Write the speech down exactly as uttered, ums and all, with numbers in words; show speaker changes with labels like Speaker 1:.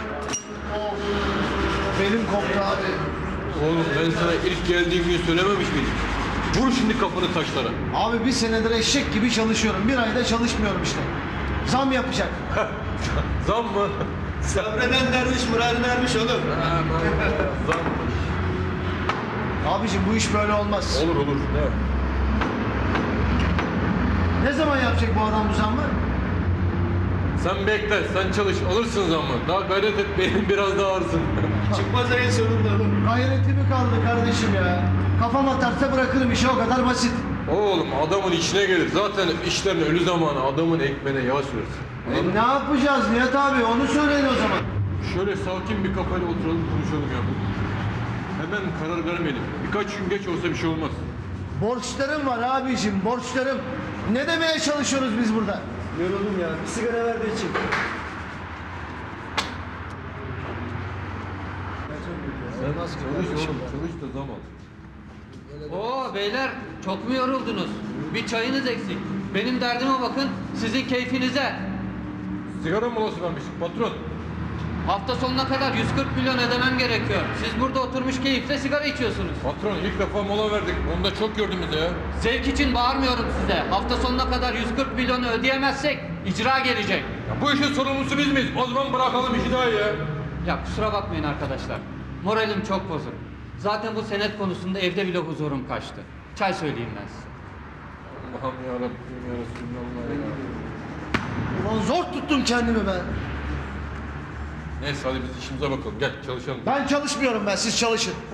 Speaker 1: Of. Belim koptu abi.
Speaker 2: Oğlum ben sana ilk geldiğim gün söylememiş miydim? Vur şimdi kafanı taşlara.
Speaker 1: Abi bir senedir eşek gibi çalışıyorum. Bir ayda çalışmıyorum işte. Zam yapacak.
Speaker 2: Zam mı?
Speaker 3: Sabreden derviş muradına ermiş oğlum.
Speaker 2: Zam mı?
Speaker 1: Abicim bu iş böyle olmaz.
Speaker 2: Olur olur. Ne?
Speaker 1: Ne zaman yapacak bu adam bu zammı?
Speaker 2: Sen bekle, sen çalış, alırsın zammı. Daha gayret et, benim biraz daha ağırsın.
Speaker 3: Çıkmaz ayın sonunda oğlum.
Speaker 1: Gayretli mi kaldı kardeşim ya? Kafam atarsa bırakırım işi, o kadar basit.
Speaker 2: Oğlum adamın işine gelir. Zaten işlerin ölü zamanı adamın ekmeğine yağ sürersin.
Speaker 1: E, ne yapacağız Nihat abi? Onu söyleyin o zaman.
Speaker 2: Şöyle sakin bir kafayla oturalım konuşalım ya. Hemen karar vermeyelim. Birkaç gün geç olsa bir şey olmaz.
Speaker 1: Borçlarım var abicim, borçlarım. Ne demeye çalışıyoruz biz burada?
Speaker 3: Yoruldum ya. Bir sigara ver de içeyim.
Speaker 2: Çalış oğlum, çalış da zam al.
Speaker 4: Oo beyler çok mu yoruldunuz? Bir çayınız eksik. Benim derdime bakın, sizin keyfinize.
Speaker 2: Sigara molası vermiş patron.
Speaker 4: Hafta sonuna kadar yüz kırk milyon ödemem gerekiyor. Siz burada oturmuş keyifle sigara içiyorsunuz.
Speaker 2: Patron ilk defa mola verdik. Onu da çok gördünüz ya.
Speaker 4: Zevk için bağırmıyorum size. Hafta sonuna kadar yüz kırk milyonu ödeyemezsek icra gelecek.
Speaker 2: Ya bu işin sorumlusu biz miyiz? O zaman bırakalım işi daha iyi ya.
Speaker 4: Ya kusura bakmayın arkadaşlar. Moralim çok bozuk. Zaten bu senet konusunda evde bile huzurum kaçtı. Çay söyleyeyim ben size.
Speaker 2: Allah'ım yarabbim ya Resulallah ya.
Speaker 1: Ulan zor tuttum kendimi ben.
Speaker 2: Neyse hadi biz işimize bakalım. Gel çalışalım.
Speaker 1: Ben çalışmıyorum ben, siz çalışın.